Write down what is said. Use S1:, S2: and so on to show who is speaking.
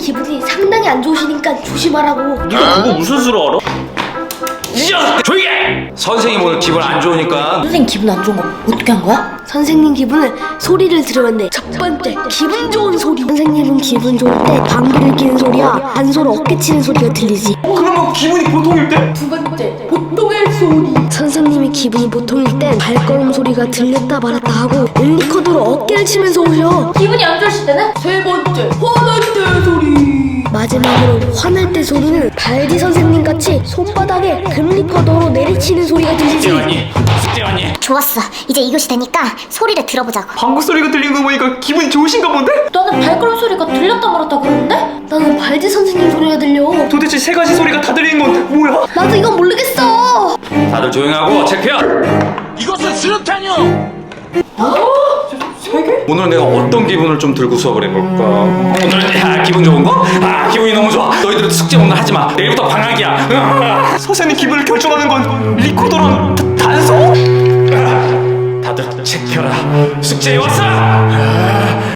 S1: 기분이 상당히 안 좋으시니까 조심하라고.
S2: 네가 그거 무슨 수로 알아? 조용히 해! 선생님 오늘 기분 안 좋으니까.
S1: 선생님 기분 안 좋은 거 어떻게 한 거야? 선생님 기분은 소리를 들으면 돼. 첫 번째, 기분 좋은 소리. 선생님은 기분 좋을 때 방귀를 뀌는 소리야 단소를 어깨 치는 소리가 들리지.
S2: 그러면 기분이 보통일 때?
S1: 두 번째, 보통의 소리. 선생님이 기분이 보통일 땐 발걸음 소리가 들렸다 말았다 하고 릴리코더로 어깨를 치면서 오셔. 기분이 안 좋으실 때는? 세 번째, 화날 때 소리. 마지막으로 화날 때 소리는 발디 선생님 같이 손바닥에 금리코더로 내리치는 소리가 들리지.
S2: 숙제 왔니?
S3: 좋았어. 이제 이것이 되니까 소리를 들어보자고.
S2: 방구 소리가 들린 거 보니까 기분 좋으신가 본데?
S1: 나는 발걸음 소리가 들렸다 말았다 그러는데? 나는 발디 선생님 소리가 들려.
S2: 도대체 세 가지 소리가 다 들리는 건 뭐야?
S1: 나도 이건 모르겠어.
S2: 다들 조용하고 체크해.
S4: 이것은 수류탄이요!
S2: 오늘 내가 어떤 기분을 좀 들고 수업을 해볼까? 오늘은 기분 좋은 거? 기분이 너무 좋아. 너희들도 숙제 오늘 하지 마. 내일부터 방학이야. 선생님 기분을 결정하는 건 리코더랑 단소? 다들 체크해라. 숙제 왔어.